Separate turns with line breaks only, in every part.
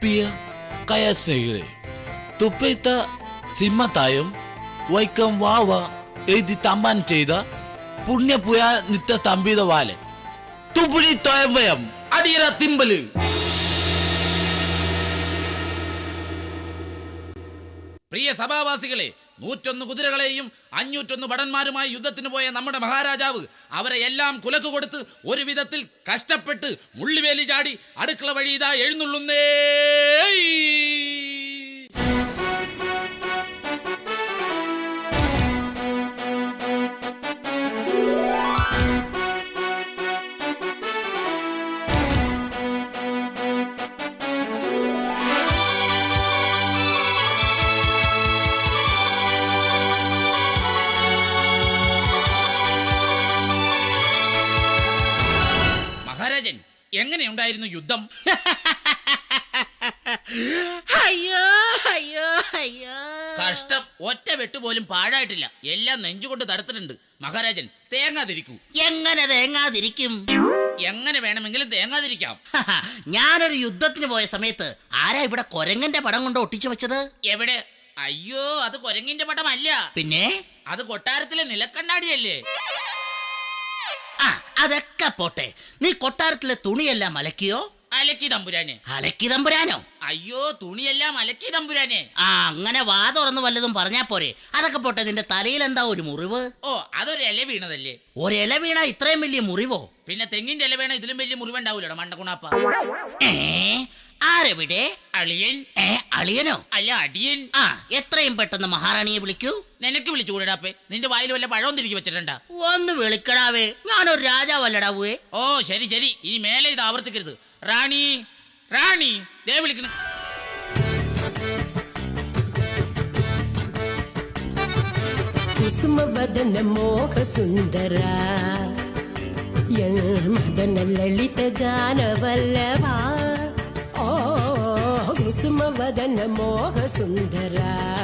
Pia kaya snegre. Tupeta simatayom waikam wawa edi taman ചെയ്ത പുണ്യപുയ നിത്യ തമ്പിത വാലെ തുപുരി തോയമ്പയം അടിയറ തിമ്പല്. പ്രിയ സഭാവാസികളെ, 101 കുതിരകളെയും 501 ഭടന്മാരുമായി യുദ്ധത്തിന് പോയ നമ്മുടെ മഹാരാജാവ് അവരെ എല്ലാം കുലക്ക് കൊടുത്ത് ഒരു വിധത്തിൽ കഷ്ടപ്പെട്ട് മുള്ളിവേലി ചാടി അടുക്കള വഴി ഇതാ എഴുന്നള്ളുന്നേ. മഹാരാജൻ, എങ്ങനെയുണ്ടായിരുന്നു യുദ്ധം?
അയ്യോ അയ്യോ അയ്യോ,
കഷ്ടം. ഒറ്റ വെട്ടുപോലും പാഴായിട്ടില്ല. എല്ലാം നെഞ്ചുകൊണ്ട് തടുത്തിട്ടുണ്ട്. മഹാരാജൻ, തേങ്ങാതിരിക്കൂ.
എങ്ങനെ തേങ്ങാതിരിക്കും?
എങ്ങനെ വേണമെങ്കിലും തേങ്ങാതിരിക്കാം.
ഞാനൊരു യുദ്ധത്തിന് പോയ സമയത്ത് ആരാ ഇവിടെ കൊരങ്ങന്റെ പടം കൊണ്ട് ഒട്ടിച്ചു വെച്ചത്?
എവിടെ? അയ്യോ, അത് കൊരങ്ങിന്റെ പടമല്ല.
പിന്നെ
അത് കൊട്ടാരത്തിലെ നിലക്കണ്ണാടിയല്ലേ?
ആ, അതൊക്കെ പോട്ടെ. നീ കൊട്ടാരത്തിലെ തുണിയെല്ലാം അലക്കിയോ?
അലക്കി തമ്പുരാനെ.
അലക്കി തമ്പുരാനോ?
അയ്യോ, തുണിയെല്ലാം അലക്കി തമ്പുരാനെ.
ആ, അങ്ങനെ വാ തുറന്ന് വല്ലതും പറഞ്ഞാ പോരെ. അതൊക്കെ പോട്ടെ, നിന്റെ തലയിൽ എന്താ ഒരു മുറിവ്?
ഓ, അതൊരു ഇല വീണതല്ലേ.
ഒരില വീണ ഇത്രയും വലിയ മുറിവോ?
പിന്നെ തെങ്ങിന്റെ ഇല വീണ ഇതിലും വലിയ മുറിവുണ്ടാവൂലോ മണ്ടകുണാപ്പ.
ആരെവിടെ?
അളിയൻ.
അളിയനോ?
അല്ല, അടിയൻ.
ആ, എത്രയും പെട്ടെന്ന് മഹാറാണിയെ വിളിക്കൂ.
നിനക്ക് വിളിച്ചു കൂടാപ്പേ? നിന്റെ വായിൽ വല്ല പഴവും തിരികെ വെച്ചിട്ടുണ്ടാ?
ഒന്ന് വിളിക്കടാവേ, ഞാനൊരു രാജാവല്ലടാവേ.
ഓ, ശരി ശരി, ഇനി മേലെ ഇത് ആവർത്തിക്കരുത്. റാണി, റാണി, ദേ വിളിക്കുന്നു.
ಕುಸುಮವದನ ಮೋಹ ಸುಂದರ ಮದನ ಲಲಿತ ಗಾನವಲ್ಲವ. ಓ ಕುಸುಮವದನ ಮೋಹ ಸುಂದರ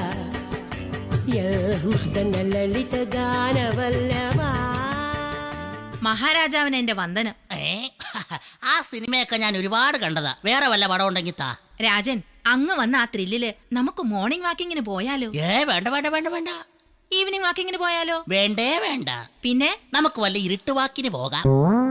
മദന ലളിത ഗാനവല്ലവ.
മഹാരാജാവിന് എന്റെ വന്ദനം.
ആ സിനിമയൊക്കെ ഞാൻ ഒരുപാട് കണ്ടതാ. വേറെ വല്ല പടം ഉണ്ടെങ്കിൽ താ.
രാജൻ, അങ്ങ് വന്ന ആ ത്രില്ലില് നമുക്ക് മോർണിംഗ് വാക്കിങ്ങിന് പോയാലോ?
വേണ്ട വേണ്ട വേണ്ട വേണ്ട.
ഈവനിങ് വാക്കിങ്ങിന് പോയാലോ?
വേണ്ടേ വേണ്ട.
പിന്നെ
നമുക്ക് വല്ല ഇരുട്ടുവാക്കിന് പോകാം.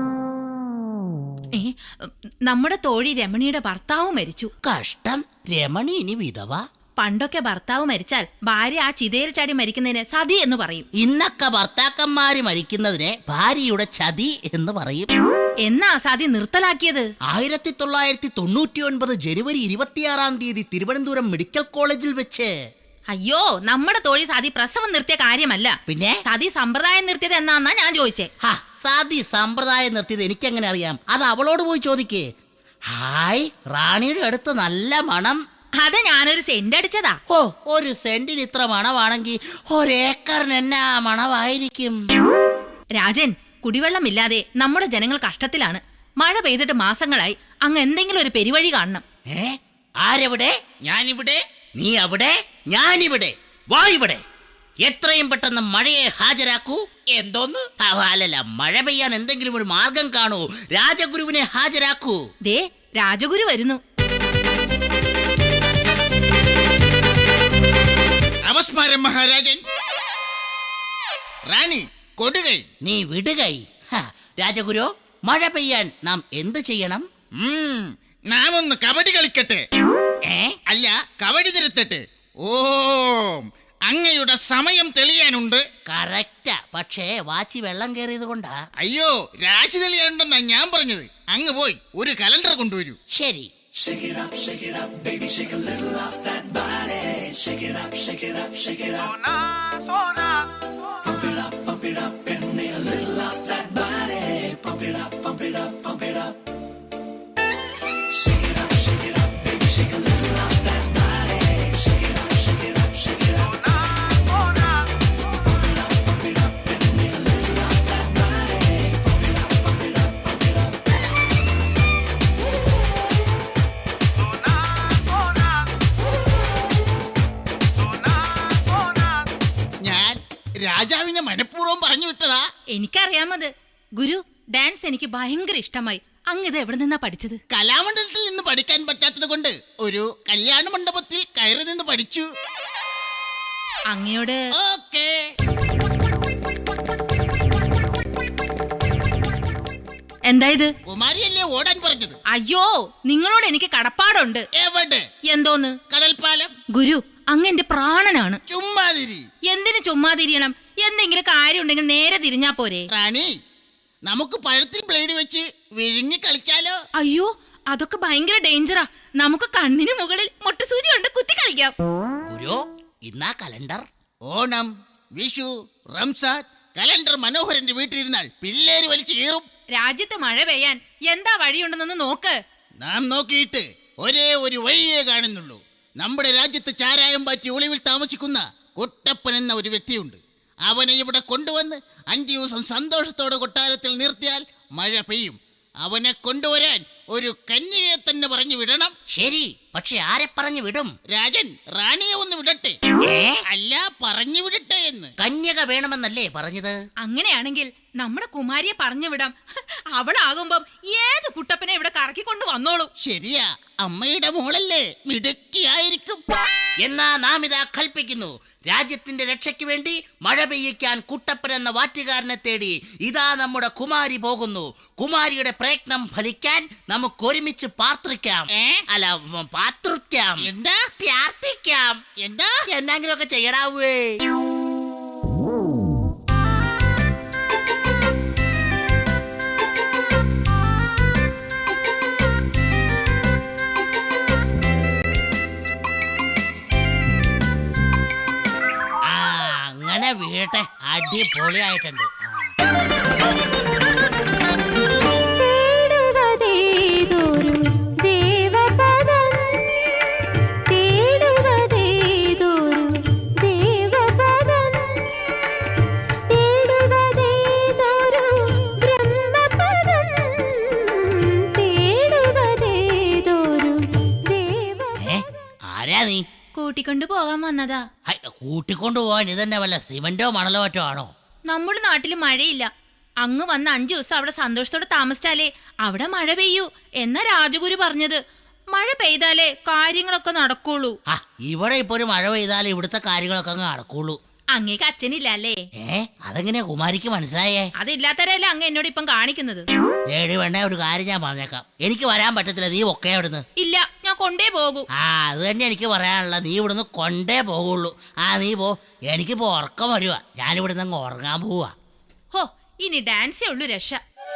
നമ്മുടെ തോഴി രമണിയുടെ ഭർത്താവ് മരിച്ചു.
കഷ്ടം. രമണി ഇനി വിധവ?
പണ്ടൊക്കെ ഭർത്താവ് മരിച്ചാൽ ഭാര്യ ആ ചിതയിൽ ചാടി മരിക്കുന്നതിന് സതി എന്ന് പറയും.
ഇന്നൊക്കെ ഭർത്താക്കന്മാര് മരിക്കുന്നതിനെ ഭാര്യയുടെ ചതി എന്ന് പറയും.
എന്നാ സതി നിർത്തലാക്കിയത്?
1999 ജനുവരി 26 തിരുവനന്തപുരം മെഡിക്കൽ കോളേജിൽ വെച്ച്.
അയ്യോ, നമ്മുടെ തോഴി സതി പ്രസവം നിർത്തിയ കാര്യമല്ല.
പിന്നെ
സതി സമ്പ്രദായം നിർത്തിയത് എന്നാന്നാ ഞാൻ ചോദിച്ചേ.
സതി സമ്പ്രദായം നിർത്തിയത് എനിക്കെങ്ങനെ അറിയാം? അത് അവളോട് പോയി ചോദിക്കേ. ഹായ്, റാണിയുടെ അടുത്ത് നല്ല മണം.
അത് ഞാനൊരു സെന്റ് അടിച്ചതാ.
ഓ, ഒരു സെന്റിന് ഇത്ര മണമാണെങ്കിൽ ഒരേക്കറിന് എന്നാ മണമായിരിക്കും?
രാജൻ, കുടിവെള്ളമില്ലാതെ നമ്മുടെ ജനങ്ങൾ കഷ്ടത്തിലാണ്. മഴ പെയ്തിട്ട് മാസങ്ങളായി. അങ്ങ് എന്തെങ്കിലും ഒരു പെരുവഴി കാണണം.
ആരെവിടെ?
ഞാനിവിടെ.
നീ അവിടെ, ഞാനിവിടെ. വാ ഇവിടെ. എത്രയും പെട്ടെന്ന് മഴയെ ഹാജരാക്കൂ.
എന്തോന്ന്?
അല്ലല്ല, മഴ പെയ്യാൻ എന്തെങ്കിലും ഒരു മാർഗം കാണൂ. രാജഗുരുവിനെ ഹാജരാക്കൂ.
ദേ, രാജഗുരു വരുന്നു.
നമസ്കാരം മഹാരാജൻ. റാണി കൊടുകൈ.
നീ വിടുകൈ. രാജഗുരു, മഴ പെയ്യാൻ നാം എന്ത് ചെയ്യണം?
നാം ഒന്ന് കബഡി കളിക്കട്ടെ. അല്ല, കബഡി തിരുത്തട്ടെ. ഓം, അങ്ങയുടെ സമയം തെളിയാനുണ്ട്.
കറക്റ്റാ, പക്ഷേ വാച്ചി വെള്ളം കയറിയത് കൊണ്ടാ.
അയ്യോ, രാശി തെളിയാനുണ്ടെന്നാ ഞാൻ പറഞ്ഞത്. അങ്ങ് പോയി ഒരു കലണ്ടർ കൊണ്ടുവരൂ.
ശരി.
Shake it up, baby, shake a little off that body. Shake it up, shake it up, shake it up. Pump it up, and a little off that body. Pump it up, pump it up, pump it up. Shake it up, baby, shake a little off that body. Shake it up, shake it up, shake it up. Pump it up, and a little off that body. Pump it up, pump it up, pump it up.
രാജാവിനെ മനഃപൂർവ്വം പറഞ്ഞു വിട്ടതാ.
എനിക്കറിയാമത്. ഗുരു, dance എനിക്ക് ഭയങ്കര ഇഷ്ടമായി. അങ്ങ് ഇത് എവിടെ നിന്നാ പഠിച്ചത്?
കലാമണ്ഡലത്തിൽ നിന്ന്
പഠിക്കാൻ പറ്റാത്തത് കൊണ്ട് ഒരു കല്യാണ മണ്ഡപത്തിൽ കയറി നിന്ന് പഠിച്ചു.
അങ്ങയോട്
ഓക്കേ.
എന്താ ഇത്?
കുമാരിയല്ലേ ഓടാൻ പറഞ്ഞത്?
അയ്യോ, നിങ്ങളോട് എനിക്ക് കടപ്പാടുണ്ട്.
എവിടെ?
എന്തോന്ന്?
കടൽപ്പാലം.
ഗുരു, അങ്ങ് എന്റെ പ്രാണനാണ്.
ചുമ്മാതിരി.
എന്തിനു ചുമ്മാ തിരിയണം? എന്തെങ്കിലും കാര്യം ഉണ്ടെങ്കിൽ നേരെ തിരിഞ്ഞാ പോരെ?
റാണി, നമുക്ക് പഴത്തിൽ ബ്ലേഡ് വെച്ച് വിഴുങ്ങി കളിച്ചാലോ?
അയ്യോ, അതൊക്കെ ഭയങ്കര ഡേഞ്ചറാ. നമുക്ക് കണ്ണിന് മുകളിൽ മുട്ടുസൂചി കൊണ്ട് കുത്തി കളിക്കാം.
ഗുരു, ഇന്നാ കലണ്ടർ. ഓണം, വിഷു, റംസാൻ കലണ്ടർ മനോഹരന്റെ വീട്ടിലിരുന്നാൽ പിള്ളേര് വലിച്ചു കീറും.
രാജ്യത്ത് മഴ പെയ്യാൻ എന്താ വഴിയുണ്ടെന്നൊന്ന് നോക്ക്.
നാം നോക്കിയിട്ട് ഒരേ ഒരു വഴിയേ കാണുന്നുള്ളൂ. നമ്മുടെ രാജ്യത്ത് ചാരായം പാറ്റി ഒളിവിൽ താമസിക്കുന്ന കുട്ടപ്പൻ എന്ന ഒരു വ്യക്തിയുണ്ട്. അവനെ ഇവിടെ കൊണ്ടുവന്ന് 5 ദിവസം സന്തോഷത്തോടെ കൊട്ടാരത്തിൽ നിർത്തിയാൽ മഴ പെയ്യും. അവനെ കൊണ്ടുവരാൻ ഒരു കന്യകയെ തന്നെ പറഞ്ഞു വിടണം. ശരി, പക്ഷെ ആരെ പറഞ്ഞു വിടും? രാജൻ റാണിയെ ഒന്ന് വിടട്ടെ. അല്ല, പറഞ്ഞു വിടട്ടെ എന്ന്. കന്യക വേണമെന്നല്ലേ പറഞ്ഞത്?
അങ്ങനെയാണെങ്കിൽ നമ്മുടെ കുമാരിയെ പറഞ്ഞു വിടാം. അവളാകുമ്പം ഏത് കുട്ടപ്പനെ ഇവിടെ കറക്കിക്കൊണ്ട് വന്നോളൂ.
ശരിയാ, അമ്മയുടെ മോളല്ലേ, മിടുക്കിയായിരിക്കും. എന്നാ നാം ഇതാ കൽപ്പിക്കുന്നു, രാജ്യത്തിന്റെ രക്ഷയ്ക്ക് വേണ്ടി മഴ പെയ്യിക്കാൻ കുട്ടപ്പൻ എന്ന വാറ്റുകാരനെ തേടി ഇതാ നമ്മുടെ കുമാരി പോകുന്നു. കുമാരിയുടെ പ്രയത്നം ഫലിക്കാൻ നമുക്ക് ഒരുമിച്ച് പാർത്തിക്കാം. അല്ല, പാർത്തിക്കാം. എന്താ? പ്രാർത്ഥിക്കാം. എന്താ? എന്തെങ്കിലും ഒക്കെ ചെയ്യടാവേ. അങ്ങനെ വീട്ടെ, അടിപൊളിയായിട്ടുണ്ട്. ആരാ നീ?
കൂട്ടിക്കൊണ്ടു പോകാൻ വന്നതാ.
കൂട്ടിക്കൊണ്ടു പോവാൻ ഇതന്നെ വല്ല സിമന്റോ മണലോ മറ്റോ ആണോ?
നമ്മുടെ നാട്ടിൽ മഴയില്ല. അങ്ങ് വന്ന് 5 ദിവസം അവിടെ സന്തോഷത്തോടെ താമസിച്ചാലേ അവിടെ മഴ പെയ്യൂ എന്നാ രാജഗുരു പറഞ്ഞത്. മഴ പെയ്താലേ കാര്യങ്ങളൊക്കെ നടക്കുള്ളൂ.
ഇവിടെ ഇപ്പൊ ഒരു മഴ പെയ്താലേ ഇവിടുത്തെ കാര്യങ്ങളൊക്കെ അങ്ങ് നടക്കുള്ളൂ.
അങ്ങേക്ക് അച്ഛനില്ല അല്ലേ?
അതെങ്ങനെയാ കുമാരിക്ക് മനസ്സിലായേ?
അതില്ലാത്തവരല്ലേ അങ്ങ് എന്നോട് ഇപ്പം കാണിക്കുന്നത്.
വേണ്ട, ഒരു കാര്യം ഞാൻ പറഞ്ഞേക്കാം, എനിക്ക് വരാൻ പറ്റത്തില്ല. നീ ഒക്കെ ഇവിടുന്ന്.
ഇല്ല, ഞാൻ കൊണ്ടേ പോകൂ.
അത് തന്നെ എനിക്ക് പറയാനുള്ള. നീ ഇവിടുന്ന് കൊണ്ടേ പോകുള്ളൂ. നീ പോ, എനിക്കിപ്പോ ഉറക്കം വരുക. ഞാനിവിടുന്ന് അങ്ങ് ഉറങ്ങാൻ പോവാ.
ഹോ, ഇനി ഡാൻസേ ഉള്ളൂ രക്ഷ.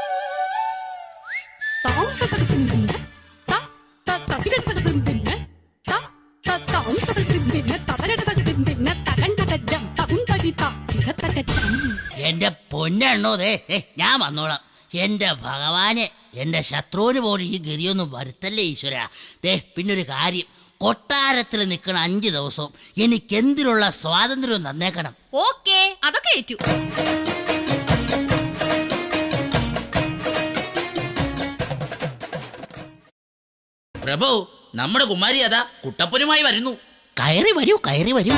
എന്റെ പൊന്നെണ്ണോ, ഞാൻ വന്നോളാം. എന്റെ ഭഗവാനെ, എന്റെ ശത്രുവിന് പോലും ഈ ഗതിയൊന്നും വരുത്തല്ലേ ഈശ്വര. പിന്നൊരു കാര്യം, കൊട്ടാരത്തിൽ നിൽക്കണ 5 ദിവസവും എനിക്കെന്തിനുള്ള സ്വാതന്ത്ര്യവും തന്നേക്കണം. ഓക്കേ, അതൊക്കെ ഏറ്റു.
പ്രഭു, നമ്മുടെ കുമാരി അതാ കുട്ടപ്പനുമായി വരുന്നു.
കയറി വരൂ, കയറി വരൂ.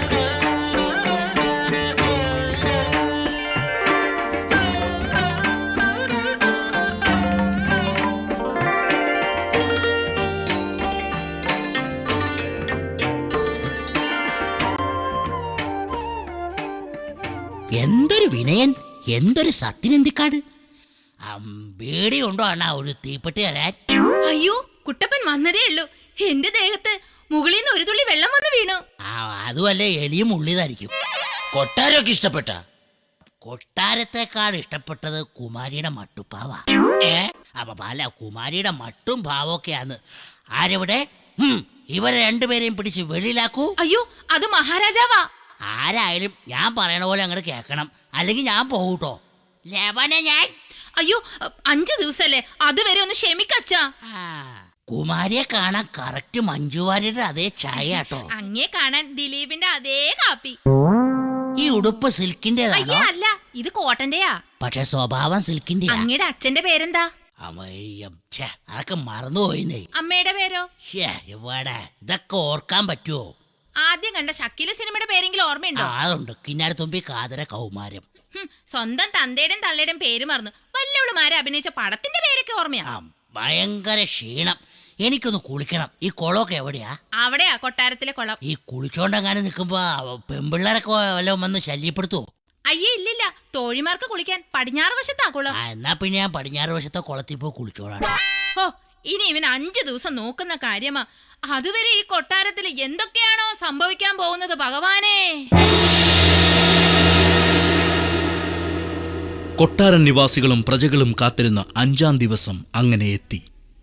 എന്തൊരു വിനയൻ, എന്തൊരു സത്യനന്ദിക്കാട്. ബീഡി ഉണ്ടോ അണ്ണാ, ഒരു തീപ്പെട്ടി തരാൻ?
അയ്യോ, കുട്ടപ്പൻ വന്നതേ ഉള്ളൂ. എന്റെ ദേഹത്ത് മുകളിൽ നിന്ന് ഒരു തുള്ളി വെള്ളം വന്ന് വീണു.
അതുമല്ലേ, എലിയും ഉള്ളിതായിരിക്കും.
കൊട്ടാരമൊക്കെ ഇഷ്ടപ്പെട്ട?
കൊട്ടാരത്തെക്കാൾ ഇഷ്ടപ്പെട്ടത് കുമാരിയുടെ മട്ടുപ്പാവ. അല്ല, കുമാരിയുടെ മട്ടും ഭാവമൊക്കെയാന്ന്. ആരെവിടെ? ഇവരെ രണ്ടുപേരെയും പിടിച്ച് വെളിയിലാക്കൂ.
അയ്യോ, അത് മഹാരാജാവാ.
ആരായാലും ഞാൻ പറയണ പോലെ അങ്ങോട്ട് കേൾക്കണം, അല്ലെങ്കിൽ ഞാൻ പോകൂട്ടോ. ഞാൻ
അയ്യോ, 5 ദിവസല്ലേ, അതുവരെ ഒന്ന് ക്ഷമിക്കച്ചാ.
കുമാരിയെ കാണാൻ കറക്റ്റ് മഞ്ജുവാരിയുടെ അതേ ചായ കേട്ടോ.
അങ്ങേ കാണാൻ ദിലീപിന്റെ അതേ കാപ്പി.
ഈ ഉടുപ്പ് സിൽക്കിന്റേതാണോ?
അല്ല, ഇത് കോട്ടന്റെയാ.
പക്ഷെ സ്വഭാവം സിൽക്കിന്റെ.
അങ്ങയുടെ അച്ഛന്റെ പേരെന്താ?
അതൊക്കെ മറന്നുപോയിന്നേ.
അമ്മയുടെ പേരോ?
ഇവിടെ ഇതൊക്കെ ഓർക്കാൻ പറ്റുമോ?
ആദ്യം കണ്ട ഷക്കീല സിനിമയുടെ പേരെങ്കിലും ഓർമ്മയുണ്ടോ?
അതുണ്ട്, കിന്നാരത്തുമ്പി കാതര കൗമാരം.
സ്വന്തം തന്തയുടെയും തള്ളയുടെയും പേര് മറന്നു. വല്ലവളുമാരെ അഭിനയിച്ച പടത്തിന്റെ പേരൊക്കെ ഓർമ്മയാ.
ഭയങ്കര ക്ഷീണം.
എനിക്കൊന്ന് കുളിക്കണം. ഈ കുളമൊക്കെ എവിടെയാ?
അവിടെയാ കൊട്ടാരത്തിലെ കുളം.
ഈ കുളിച്ചോണ്ടെങ്ങാനും നിൽക്കുമ്പോ പെമ്പിള്ളേരൊക്കെ വല്ലതും വന്ന് ശല്യപ്പെടുത്തുവോ?
അയ്യേ ഇല്ലില്ല, തോഴിമാർക്ക് കുളിക്കാൻ പടിഞ്ഞാറ് വശത്താ കുളം.
എന്നാ പിന്നെ ഞാൻ പടിഞ്ഞാറ് വശത്തെ കുളത്തിൽ പോയി കുളിച്ചോളാം.
ഓ, ഇനി ഇവൻ 5 ദിവസം നോക്കുന്ന കാര്യമാ. അതുവരെ ഈ കൊട്ടാരത്തിൽ എന്തൊക്കെയാണോ സംഭവിക്കാൻ പോകുന്നത് ഭഗവാനേ.
കൊട്ടാരൻ നിവാസികളും പ്രജകളും കാത്തിരുന്ന 5-ാം ദിവസം അങ്ങനെ എത്തി.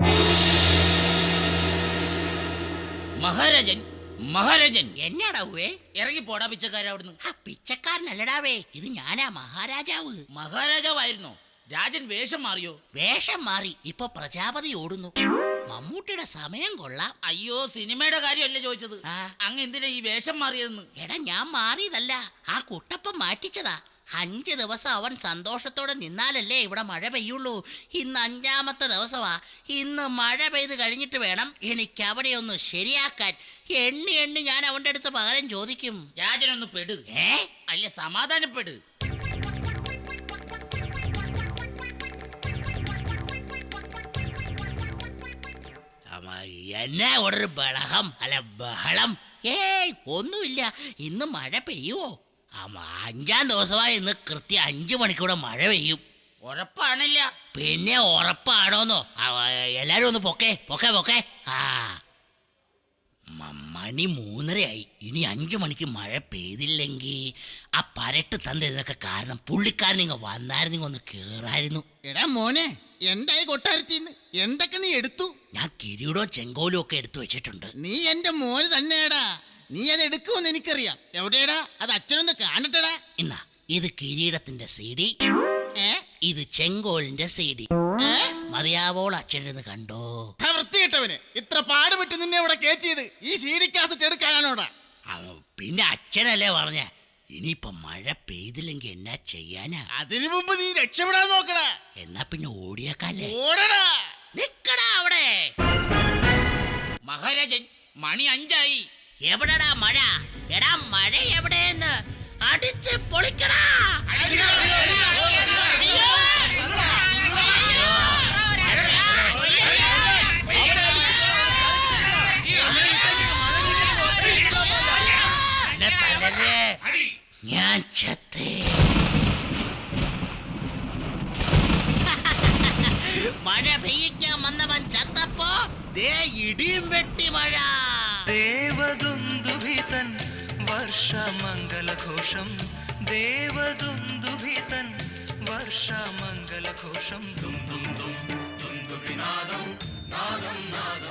മഹാരാജൻ, മഹാരാജൻ,
എന്നാടാവേ?
ഇറങ്ങി പോടാ പിച്ചക്കാര അവിടുന്ന്.
പിച്ചക്കാരനല്ലടാവേ, ഇത് ഞാനാ മഹാരാജാവ്.
മഹാരാജാവായിരുന്നോ? രാജൻ വേഷം മാറിയോ?
വേഷം മാറി, ഇപ്പൊ പ്രജാപതി ഓടുന്നു. മമ്മൂട്ടിയുടെ സമയം കൊള്ളാം.
അയ്യോ, സിനിമയുടെ കാര്യമല്ല ചോദിച്ചത്.
ആ.
അങ്ങ് എന്തിനാ ഈ വേഷം മാറിയതെന്ന്?
എടാ, ഞാൻ മാറിയതല്ല, ആ കുട്ടപ്പൻ മാറ്റിച്ചതാ. 5 ദിവസം അവൻ സന്തോഷത്തോടെ നിന്നാലല്ലേ ഇവിടെ മഴ പെയ്യുള്ളൂ. ഇന്ന് 5-ാമത്തെ ദിവസമാ. ഇന്ന് മഴ പെയ്ത് കഴിഞ്ഞിട്ട് വേണം എനിക്ക് അവിടെ ഒന്ന് ശരിയാക്കാൻ. എണ്ണി എണ്ണി ഞാൻ അവന്റെ അടുത്ത് പകരം ചോദിക്കും.
രാജനൊന്ന് പെട്. അല്ല, സമാധാനപ്പെട്.
എന്നാ ഒരു ബഹളം, അല്ല ബഹളം? ഒന്നുമില്ല. ഇന്ന് മഴ പെയ്യുവോ? 5-ാം ദിവസമായി. ഇന്ന് കൃത്യം 5 മണിക്കൂടെ മഴ പെയ്യും.
ഉറപ്പാണില്ല.
പിന്നെ ഉറപ്പാണോന്നോ? എല്ലാരും ഒന്ന് പൊക്കെ പൊക്കെ പൊക്കെ. മണി 3:30ആയി. ഇനി 5 മണിക്ക് മഴ പെയ്തില്ലെങ്കിൽ ആ പരട്ട് തந்த ഇതിനൊക്കെ കാരണം പുള്ളിക്കാരൻ ഇങ്ങ് വന്നായിരുന്നു, ഒന്ന് കേറായിരുന്നു.
എടാ മോനെ, എന്തായി കൊട്ടാരത്തിന്ന്? എന്തൊക്കെ നീ എടുത്തു?
ഞാൻ കിരീടവും ചെങ്കോലും ഒക്കെ എടുത്തു വെച്ചിട്ടുണ്ട്.
നീ എന്റെ മോന് തന്നെയാടാ. നീ അത് എടുക്കുമെന്ന് എനിക്കറിയാം. എവിടെയാടാ അത്? അച്ഛനൊന്ന് കാണട്ടടാ.
എന്നാ, ഇത് കിരീടത്തിന്റെ CD, ഇത് ചെങ്കോലിന്റെ CD. മതിയാവോൾ അച്ഛനെന്ന് കണ്ടോ?
വൃത്തികെട്ടവന്, ഇത്ര പാടുപെട്ട് നിന്നെ ഇവിടെ കയറ്റിയത് ഈ CD കാസറ്റ് എടുക്കാനാണോടാ?
പിന്നെ അച്ഛനല്ലേ പറഞ്ഞ ഇനിയിപ്പൊ മഴ പെയ്തില്ലെങ്കിൽ എന്നാ ചെയ്യാനാ?
അതിനു മുമ്പ് നീ രക്ഷപ്പെടാൻ നോക്കടാ.
എന്നാ പിന്നെ ഓടിയേക്കാല്ലേ?
ഓടടാ.
നിക്കടാ അവിടെ.
മഹാരാജൻ, മണി 5ആയി.
എവിടെടാ മഴ? എടാ, മഴ എവിടെയെന്ന് അടിച്ച് പൊളിക്കടാ. ഞാൻ ചത്തേ. മഴ പെയ്യിക്കാൻ വന്നവൻ ചത്തപ്പോ ദേ ഇടിയും വെട്ടി മഴ.
ദേവദുന്ദുഭിതൻ വർഷമംഗലഘോഷം, ദേവദുന്ദുഭിതൻ വർഷമംഗലഘോഷം. ദും ദും ദും ദുന്ദുഭിനാദം നാദം നാദം.